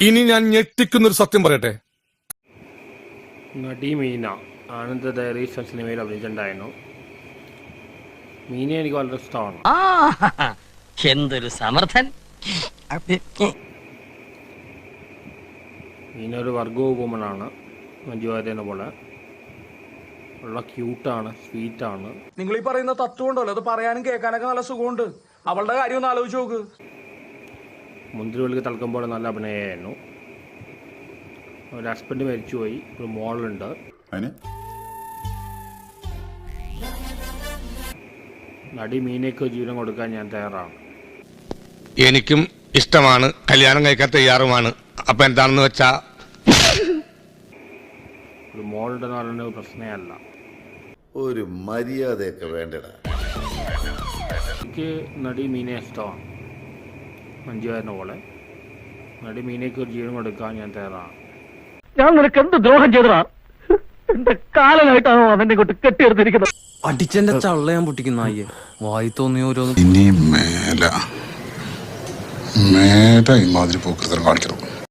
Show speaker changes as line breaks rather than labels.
ഇനി ഞാൻ ഞെട്ടിക്കുന്നൊരു സത്യം പറയട്ടെ.
നടി മീന ആനന്ദ ഡയറീസ് സിനിമയിൽ അഭിനയിച്ചിട്ടുണ്ടായിരുന്നു. മീനയെ എനിക്ക് വളരെ ഇഷ്ടമാണ്.
എന്തൊരു സമർത്ഥൻ.
മീന ഒരു വർഗോ വുമണാണ്. മഞ്ജു വാര്യനെ പോലെ ഉള്ള ക്യൂട്ടാണ്, സ്വീറ്റാണ്.
നിങ്ങൾ ഈ പറയുന്ന തത്വം ഉണ്ടല്ലോ, അത് പറയാനും കേൾക്കാനൊക്കെ നല്ല സുഖമുണ്ട്. അവളുടെ കാര്യം ഒന്ന് ആലോചിച്ച് നോക്ക്.
മുന്തിരിവള്ളിക്ക് തളക്കുമ്പോൾ നല്ല അഭിനയമായിരുന്നു. ഒരു ഹസ്ബൻഡ് മരിച്ചുപോയി, ഒരു മോളുണ്ട്. നടി മീനയ്ക്ക് ജീവനം കൊടുക്കാൻ ഞാൻ തയ്യാറാണ്.
എനിക്കും ഇഷ്ടമാണ്, കല്യാണം കഴിക്കാൻ തയ്യാറുമാണ്. അപ്പൊ എന്താണെന്ന് വെച്ചാ
ഒരു മോളുണ്ടെന്ന് പറയുന്നത് പ്രശ്നമല്ല.
ഒരു മര്യാദയൊക്കെ വേണ്ടടാ.
എനിക്ക് നടി മീനയെ ഇഷ്ടമാണ്. മഞ്ജു വാര്യനെ പോലെ നടി മീനയ്ക്ക് ഒരു ജീവൻ കൊടുക്കാൻ ഞാൻ തയ്യാറാണ്.
ഞാൻ നിനക്ക് എന്ത് ദ്രോഹം ചെയ്തടാ? എന്റെ കാലനായിട്ടാണോ അവനെ കൊണ്ട് കെട്ടിയെടുത്തിരിക്കുന്നത്?
അടിച്ചെന്റെ ചള്ള ഞാൻ പൊട്ടിക്കുന്ന അയ്യേ. വായി തോന്നിയ ഓരോന്ന്
ഇനി മേല ഇമാതിരി പോക്കൃതം കാണിക്കണം.